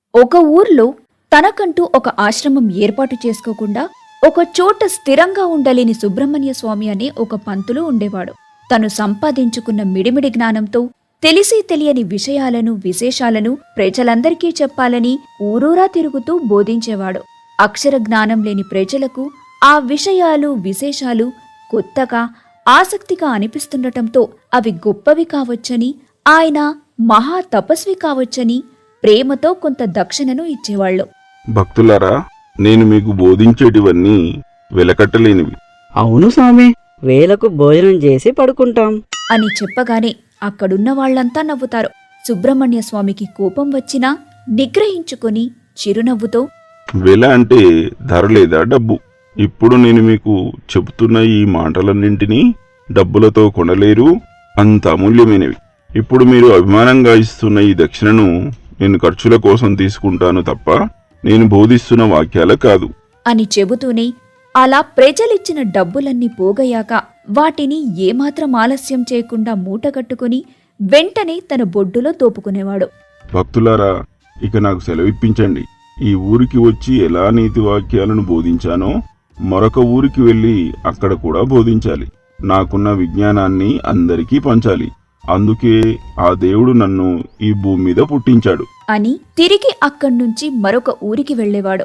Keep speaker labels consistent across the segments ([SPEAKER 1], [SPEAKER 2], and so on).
[SPEAKER 1] ఒక ఊర్లో తనకంటూ ఒక ఆశ్రమం ఏర్పాటు చేసుకోకుండా ఒక చోట స్థిరంగా ఉండలేని సుబ్రహ్మణ్య స్వామి అనే ఒక పంతులు ఉండేవాడు. తను సంపాదించుకున్న మిడిమిడి జ్ఞానంతో తెలిసి తెలియని విషయాలను విశేషాలను ప్రజలందరికీ చెప్పాలని ఊరూరా తిరుగుతూ బోధించేవాడు. అక్షర జ్ఞానం లేని ప్రజలకు ఆ విషయాలు విశేషాలు కొత్తగా ఆసక్తిగా అనిపిస్తుండటంతో అవి గొప్పవి కావచ్చని, ఆయన మహా తపస్వి కావచ్చని ప్రేమతో కొంత దక్షిణను ఇచ్చేవాళ్లు.
[SPEAKER 2] భక్తులారా, నేను మీకు బోధించేటివన్నీ వెలకట్టలేనివి.
[SPEAKER 3] అవును స్వామి, వేలకు భోజనం చేసి పడుకుంటాం
[SPEAKER 1] అని చెప్పగానే అక్కడున్న వాళ్లంతా నవ్వుతారు. సుబ్రహ్మణ్య స్వామికి కోపం వచ్చినా నిగ్రహించుకొని చిరునవ్వుతో,
[SPEAKER 2] వెల అంటే ధర లేదా డబ్బు. ఇప్పుడు నేను మీకు చెబుతున్న ఈ మాటలన్నింటినీ డబ్బులతో కొనలేరు, అంత అమూల్యమైనవి. ఇప్పుడు మీరు అభిమానంగా ఇస్తున్న ఈ దక్షిణను నేను ఖర్చుల కోసం తీసుకుంటాను తప్ప నేను బోధిస్తున్న వాక్యాల కాదు
[SPEAKER 1] అని చెబుతూనే అలా ప్రజలిచ్చిన డబ్బులన్నీ పోగయ్యాక వాటిని ఏమాత్రం ఆలస్యం చేయకుండా మూటగట్టుకుని వెంటనే తన బొడ్డులో తోపుకునేవాడు.
[SPEAKER 2] భక్తులారా, ఇక నాకు సెలవిప్పించండి. ఈ ఊరికి వచ్చి ఎలా నీతి వాక్యాలను బోధించానో మరొక ఊరికి వెళ్లి అక్కడ కూడా బోధించాలి. నాకున్న విజ్ఞానాన్ని అందరికీ పంచాలి. అందుకే ఆ దేవుడు నన్ను ఈ భూమి మీద పుట్టించాడు
[SPEAKER 1] అని తిరిగి అక్కడ్నుంచి మరొక ఊరికి వెళ్లేవాడు.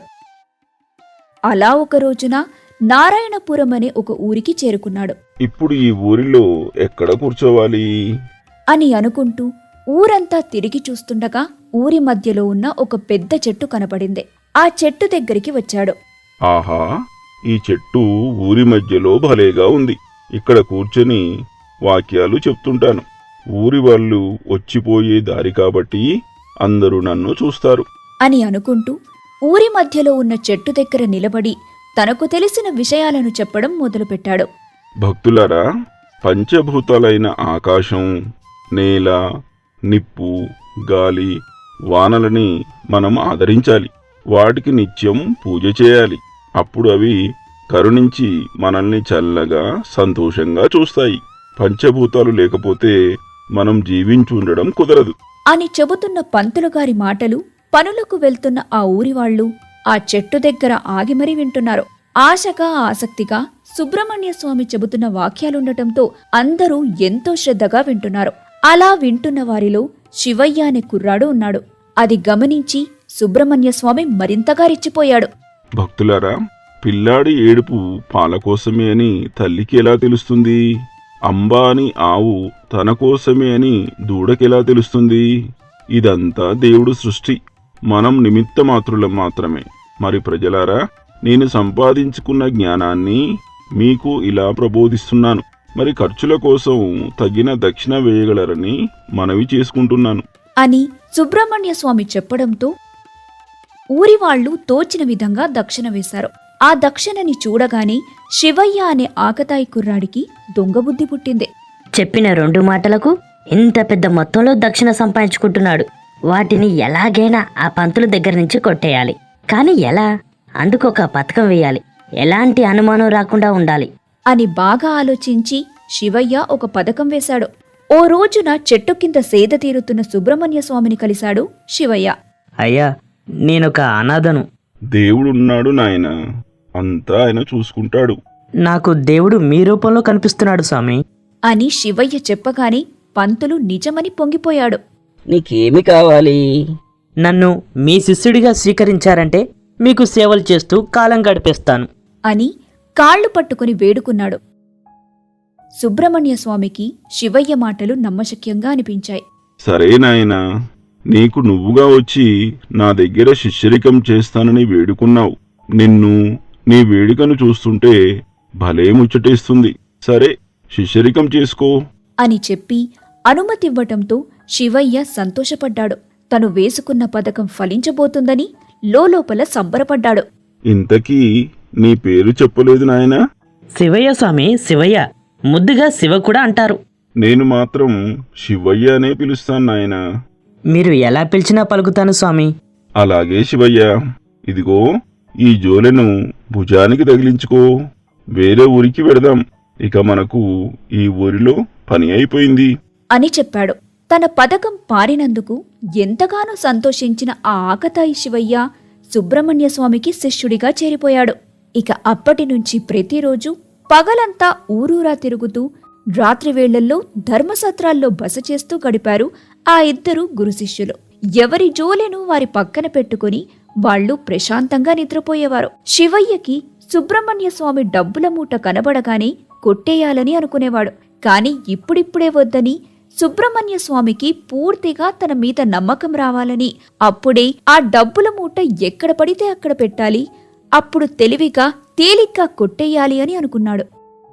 [SPEAKER 1] అలా ఒక రోజున నారాయణపురం అనే ఒక ఊరికి చేరుకున్నాడు.
[SPEAKER 2] ఇప్పుడు ఈ ఊరిలో ఎక్కడ కూర్చోవాలి
[SPEAKER 1] అని అనుకుంటూ ఊరంతా తిరిగి చూస్తుండగా ఊరి మధ్యలో ఉన్న ఒక పెద్ద చెట్టు కనపడింది. ఆ చెట్టు దగ్గరికి వచ్చాడు.
[SPEAKER 2] ఆహా, ఈ చెట్టు ఊరి మధ్యలో భలేగా ఉంది. ఇక్కడ కూర్చొని వాక్యాలు చెప్తుంటాను. ఊరి వాళ్ళు వచ్చిపోయే దారి కాబట్టి అందరూ నన్ను చూస్తారు
[SPEAKER 1] అని అనుకుంటూ ఊరి మధ్యలో ఉన్న చెట్టు దగ్గర నిలబడి తనకు తెలిసిన విషయాలను చెప్పడం మొదలుపెట్టాడు.
[SPEAKER 2] భక్తులారా, పంచభూతాలైన ఆకాశం, నేల, నిప్పు, గాలి, వానలని మనం ఆదరించాలి. వాటికి నిత్యం పూజ చేయాలి. అప్పుడు అవి కరుణించి మనల్ని చల్లగా సంతోషంగా చూస్తాయి. పంచభూతాలు లేకపోతే మనం జీవించుండడం కుదరదు
[SPEAKER 1] అని చెబుతున్న పంతులుగారి మాటలు పనులకు వెళ్తున్న ఆ ఊరివాళ్లు ఆ చెట్టు దగ్గర ఆగి మరీ వింటున్నారు. ఆశగా ఆసక్తిగా సుబ్రహ్మణ్య స్వామి చెబుతున్న వాక్యాలుండటంతో అందరూ ఎంతో శ్రద్ధగా వింటున్నారు. అలా వింటున్న వారిలో శివయ్య అనే కుర్రాడు ఉన్నాడు. అది గమనించి సుబ్రహ్మణ్య స్వామి మరింతగా రెచ్చిపోయాడు.
[SPEAKER 2] భక్తులారా, పిల్లాడి ఏడుపు పాలకోసమే అని తల్లికి ఎలా తెలుస్తుంది? అంబా అని ఆవు తన కోసమే అని దూడకెలా తెలుస్తుంది? ఇదంతా దేవుడు సృష్టి. మనం నిమిత్త మాత్రులం మాత్రమే. మరి ప్రజలారా, నేను సంపాదించుకున్న జ్ఞానాన్ని మీకు ఇలా ప్రబోధిస్తున్నాను. మరి ఖర్చుల కోసం తగిన దక్షిణ వేయగలరని మనవి చేసుకుంటున్నాను
[SPEAKER 1] అని సుబ్రహ్మణ్య స్వామి చెప్పడంతో ఊరివాళ్లు తోచిన విధంగా దక్షిణ వేశారు. ఆ దక్షిణని చూడగానే శివయ్య అనే ఆకతాయి కుర్రాడికి దొంగబుద్ధి పుట్టింది.
[SPEAKER 4] చెప్పిన 2 మాటలకు ఇంత పెద్ద మొత్తంలో దక్షిణ సంపాదించుకుంటున్నాడు. వాటిని ఎలాగైనా ఆ పంతుల దగ్గర నుంచి కొట్టేయాలి. కాని ఎలా? అందుకొక పథకం వేయాలి. ఎలాంటి అనుమానం రాకుండా ఉండాలి
[SPEAKER 1] అని బాగా ఆలోచించి శివయ్య ఒక పథకం వేశాడు. ఓ రోజున చెట్టు కింద సేద తీరుతున్న సుబ్రహ్మణ్య స్వామిని కలిశాడు శివయ్య.
[SPEAKER 3] అయ్యా, నేనొక అనాథను.
[SPEAKER 2] దేవుడున్నాడు నాయనా, అంతా ఆయన చూసుకుంటాడు.
[SPEAKER 3] నాకు దేవుడు మీ రూపంలో కనిపిస్తున్నాడు స్వామి
[SPEAKER 1] అని శివయ్య చెప్పగానే పంతులు నిజమని పొంగిపోయాడు.
[SPEAKER 5] నీకేమి కావాలి?
[SPEAKER 3] నన్ను మీ శిష్యుడిగా స్వీకరించారంటే మీకు సేవలు చేస్తూ కాలం గడిపేస్తాను
[SPEAKER 1] అని కాళ్లు పట్టుకుని వేడుకున్నాడు. సుబ్రహ్మణ్య స్వామికి శివయ్య మాటలు నమ్మశక్యంగా అనిపించాయి.
[SPEAKER 2] సరే నాయనా, నీకు నువ్వుగా వచ్చి నా దగ్గర శిష్యరికం చేస్తానని వేడుకున్నావు. నిన్ను, నీ వేడుకను చూస్తుంటే భలే ముచ్చటేస్తుంది. సరే, శిష్యరికం చేసుకో
[SPEAKER 1] అని చెప్పి అనుమతివ్వటంతో శివయ్య సంతోషపడ్డాడు. తను వేసుకున్న పథకం ఫలించబోతుందని లోలోపల సంబరపడ్డాడు.
[SPEAKER 2] ఇంతకీ నీ పేరు చెప్పలేదు నాయనా?
[SPEAKER 3] శివయ్య స్వామి, శివయ్య. ముద్దుగా శివ కూడా అంటారు.
[SPEAKER 2] నేను మాత్రం శివయ్య అనే పిలుస్తాను నాయనా.
[SPEAKER 3] మీరు ఎలా పిలిచినా పలుకుతాను స్వామి.
[SPEAKER 2] అలాగే శివయ్య. ఇదిగో ఈ జోలెను భుజానికి తగిలించుకో. వేరే ఊరికి వెడదాం. ఇక మనకు ఈ ఊరిలో పని అయిపోయింది
[SPEAKER 1] అని చెప్పాడు. తన పథకం పారినందుకు ఎంతగానో సంతోషించిన ఆ ఆకతాయి శివయ్య సుబ్రహ్మణ్య స్వామికి శిష్యుడిగా చేరిపోయాడు. ఇక అప్పటినుంచి ప్రతిరోజు పగలంతా ఊరూరా తిరుగుతూ రాత్రివేళ్లల్లో ధర్మసత్రాల్లో బస చేస్తూ గడిపారు ఆ ఇద్దరు గురు శిష్యులు. ఎవరి జోలెను వారి పక్కన పెట్టుకుని వాళ్లు ప్రశాంతంగా నిద్రపోయేవారు. శివయ్యకి సుబ్రహ్మణ్య స్వామి డబ్బుల మూట కనబడగానే కొట్టేయాలని అనుకునేవాడు. కాని ఇప్పుడిప్పుడే వద్దని, సుబ్రహ్మణ్య స్వామికి పూర్తిగా తన మీద నమ్మకం రావాలని, అప్పుడే ఆ డబ్బుల మూట ఎక్కడ పడితే అక్కడ పెట్టాలి, అప్పుడు తెలివిగా తేలిగ్గా కొట్టేయాలి అని అనుకున్నాడు.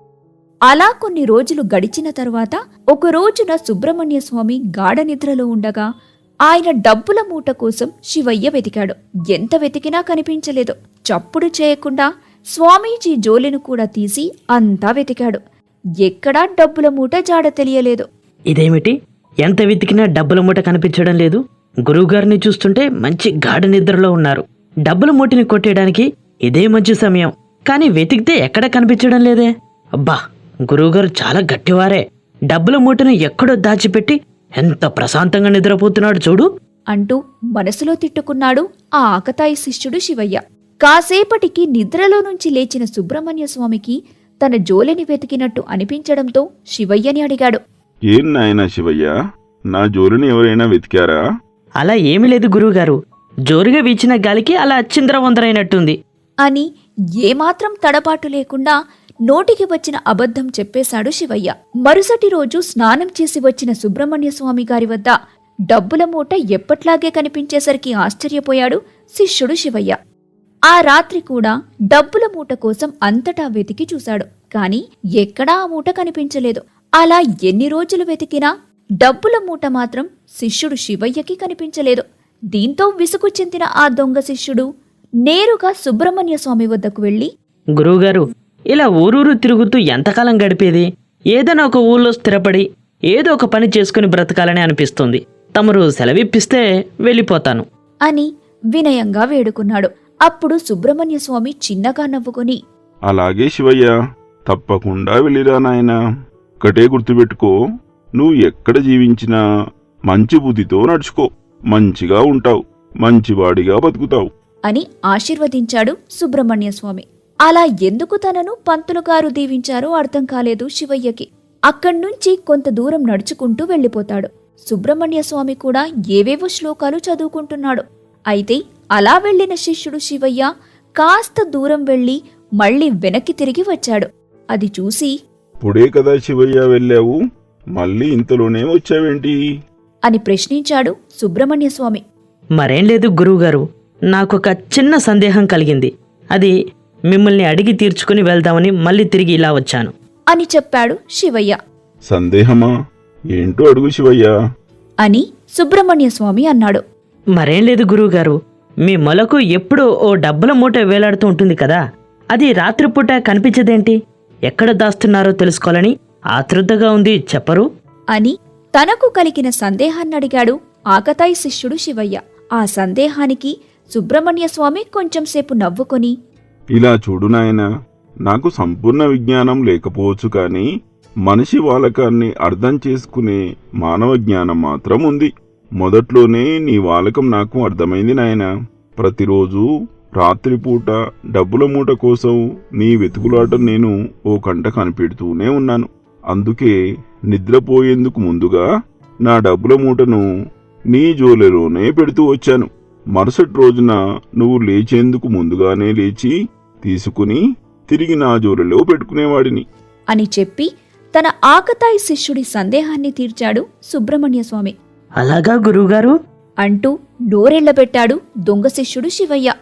[SPEAKER 1] అలా కొన్ని రోజులు గడిచిన తరువాత ఒక రోజున సుబ్రహ్మణ్య స్వామి గాఢ నిద్రలో ఉండగా ఆయన డబ్బుల మూట కోసం శివయ్య వెతికాడు. ఎంత వెతికినా కనిపించలేదు. చప్పుడు చేయకుండా స్వామీజీ జోలెను కూడా తీసి అంతా వెతికాడు. ఎక్కడా డబ్బుల మూట జాడ తెలియలేదు.
[SPEAKER 3] ఇదేమిటి, ఎంత వెతికినా డబ్బుల మూట కనిపించడం లేదు? గురువుగారిని చూస్తుంటే మంచి గాఢ నిద్రలో ఉన్నారు. డబ్బుల మూటని కొట్టేయడానికి ఇదే మంచి సమయం. కానీ వెతికితే ఎక్కడ కనిపించడం లేదే. అబ్బా, గురువుగారు చాలా గట్టివారే. డబ్బుల మూటను ఎక్కడో దాచిపెట్టి ఎంత ప్రశాంతంగా నిద్రపోతున్నాడు చూడు
[SPEAKER 1] అంటూ మనసులో తిట్టుకున్నాడు ఆ ఆకతాయి శిష్యుడు శివయ్య. కాసేపటికి నిద్రలో నుంచి లేచిన సుబ్రహ్మణ్య స్వామికి తన జోలెని వెతికినట్టు అనిపించడంతో శివయ్యని అడిగాడు.
[SPEAKER 2] ఏం నాయనా శివయ్య, నా జోలిని ఎవరైనా వెతికారా?
[SPEAKER 3] అలా ఏమీ లేదు గురువుగారు. జోరుగా వీచిన గాలికి అలా చిందరవందరైనట్టుంది
[SPEAKER 1] అని ఏమాత్రం తడబాటు లేకుండా నోటికి వచ్చిన అబద్ధం చెప్పేశాడు శివయ్య. మరుసటి రోజు స్నానం చేసి వచ్చిన సుబ్రహ్మణ్య స్వామి గారి వద్ద డబ్బుల మూట ఎప్పట్లాగే కనిపించేసరికి ఆశ్చర్యపోయాడు శిష్యుడు శివయ్య. ఆ రాత్రి కూడా డబ్బుల మూట కోసం అంతటా వెతికి చూశాడు. కాని ఎక్కడా ఆ మూట కనిపించలేదు. అలా ఎన్ని రోజులు వెతికినా డబ్బుల మూట మాత్రం శిష్యుడు శివయ్యకి కనిపించలేదు. దీంతో విసుగు చెందిన ఆ దొంగ శిష్యుడు నేరుగా సుబ్రహ్మణ్య స్వామి వద్దకు వెళ్లి,
[SPEAKER 3] గురువుగారు, ఇలా ఊరూరు తిరుగుతూ ఎంతకాలం గడిపేది? ఏదైనా ఒక ఊళ్ళో స్థిరపడి ఏదో ఒక పని చేసుకుని బ్రతకాలని అనిపిస్తుంది. తమరు సెలవిప్పిస్తే వెళ్ళిపోతాను
[SPEAKER 1] అని వినయంగా వేడుకున్నాడు. అప్పుడు సుబ్రహ్మణ్య స్వామి చిన్నగా నవ్వుకుని,
[SPEAKER 2] అలాగే శివయ్య, తప్పకుండా వెళ్ళిరా నాయనా. ఒక్కటే గుర్తుపెట్టుకో, నువ్వు ఎక్కడ జీవించినా మంచి బుద్ధితో నడుచుకో. మంచిగా ఉంటావు, మంచివాడిగా బతుకుతావు
[SPEAKER 1] అని ఆశీర్వదించాడు సుబ్రహ్మణ్య స్వామి. అలా ఎందుకు తనను పంతులుగారు దీవించారో అర్థం కాలేదు శివయ్యకి. అక్కడ్నుంచి కొంత దూరం నడుచుకుంటూ వెళ్ళిపోతాడు. సుబ్రహ్మణ్య స్వామి కూడా ఏవేవో శ్లోకాలు చదువుకుంటున్నాడు. అయితే అలా వెళ్లిన శిష్యుడు శివయ్య కాస్త దూరం వెళ్లి మళ్లీ వెనక్కి తిరిగి వచ్చాడు. అది చూసి,
[SPEAKER 2] ఇప్పుడే కదా శివయ్య వెళ్ళావు, మళ్ళీ ఇంతలోనే వచ్చావేంటి
[SPEAKER 1] అని ప్రశ్నించాడు సుబ్రహ్మణ్య స్వామి.
[SPEAKER 3] మరేం లేదు గురువుగారు, నాకొక చిన్న సందేహం కలిగింది. అది మిమ్మల్ని అడిగి తీర్చుకుని వెళ్దామని మళ్ళీ తిరిగి ఇలా వచ్చాను
[SPEAKER 1] అని చెప్పాడు శివయ్య.
[SPEAKER 2] సందేహమా? ఏంటో అడుగు శివయ్య
[SPEAKER 1] అని సుబ్రహ్మణ్య స్వామి అన్నాడు.
[SPEAKER 3] మరేం లేదు గురువుగారు, మీ మొలకు ఎప్పుడూ ఓ డబ్బుల మూట వేలాడుతూ ఉంటుంది కదా, అది రాత్రిపూట కనిపించదేంటి? ఎక్కడ దాస్తున్నారో తెలుసుకోవాలని ఆతృతగా ఉంది, చెప్పరు
[SPEAKER 1] అని తనకు కలిగిన సందేహాన్నడిగాడు ఆకతాయి శిష్యుడు శివయ్య. ఆ సందేహానికి సుబ్రహ్మణ్య స్వామి కొంచెంసేపు నవ్వుకొని,
[SPEAKER 2] ఇలా చూడు నాయనా, నాకు సంపూర్ణ విజ్ఞానం లేకపోవచ్చు కానీ మనిషి వాలకాన్ని అర్థం చేసుకునే మానవ జ్ఞానం మాత్రం ఉంది. మొదట్లోనే నీ వాలకం నాకు అర్థమైంది నాయనా. ప్రతిరోజు రాత్రిపూట డబ్బుల మూట కోసం నీ వెతుకులాట నేను ఓ కంట కనిపెడుతూనే ఉన్నాను. అందుకే నిద్రపోయేందుకు ముందుగా నా డబ్బుల మూటను నీ జోలెలోనే పెడుతూ వచ్చాను. మరుసటి రోజున నువ్వు లేచేందుకు ముందుగానే లేచి తీసుకుని తిరిగి నా జోలెలో పెట్టుకునేవాడిని
[SPEAKER 1] అని చెప్పి తన ఆకతాయి శిష్యుడి సందేహాన్ని తీర్చాడు సుబ్రహ్మణ్య స్వామి.
[SPEAKER 3] అలాగా గురువుగారు
[SPEAKER 1] అంటూ నోరెళ్లబెట్టాడు దొంగ శిష్యుడు శివయ్య.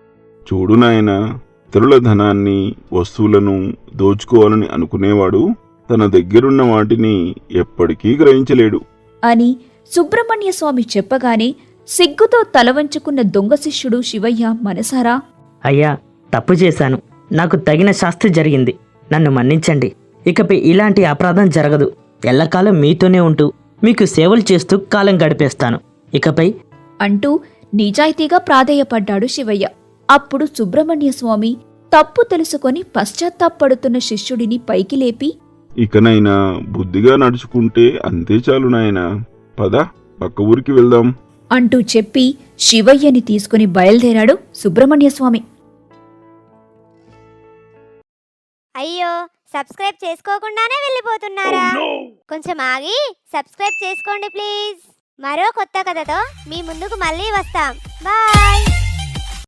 [SPEAKER 2] చూడు నాయనా, ఇతరుల ధనాన్ని, వస్తువులను దోచుకోవాలని అనుకునేవాడు తన దగ్గరున్న వాటిని ఎప్పటికీ గ్రహించలేడు
[SPEAKER 1] అని సుబ్రహ్మణ్య స్వామి చెప్పగానే సిగ్గుతో తలవంచుకున్న దొంగ శిష్యుడు శివయ్య మనసారా,
[SPEAKER 3] అయ్యా, తప్పు చేశాను. నాకు తగిన శాస్తి జరిగింది. నన్ను మన్నించండి. ఇకపై ఇలాంటి అపరాధం జరగదు. ఎల్లకాలం మీతోనే ఉంటూ మీకు సేవలు చేస్తూ కాలం గడిపేస్తాను ఇకపై
[SPEAKER 1] అంటూ నిజాయితీగా ప్రాధేయపడ్డాడు శివయ్య. అప్పుడు సుబ్రహ్మణ్య స్వామి తప్పు తెలుసుకొని పశ్చాత్తాపడుతున్న శిష్యుడిని పైకి లేపి,
[SPEAKER 2] ఇకనైనా బుద్ధిగా నడుచుకుంటే అంతే చాలు నాయనా. పద పక్క ఊరికి వెళ్దాం
[SPEAKER 1] అంటూ చెప్పి శివయ్యని తీసుకుని బయలుదేరాడు సుబ్రహ్మణ్యస్వామి.
[SPEAKER 6] అయ్యో, సబ్స్క్రైబ్ చేసుకోకుండానే వెళ్ళిపోతున్నారా? కొంచెం ఆగి సబ్స్క్రైబ్ చేసుకోండి ప్లీజ్. మరో కొత్త కథతో మీ ముందుకు మళ్ళీ వస్తాం. బాయ్.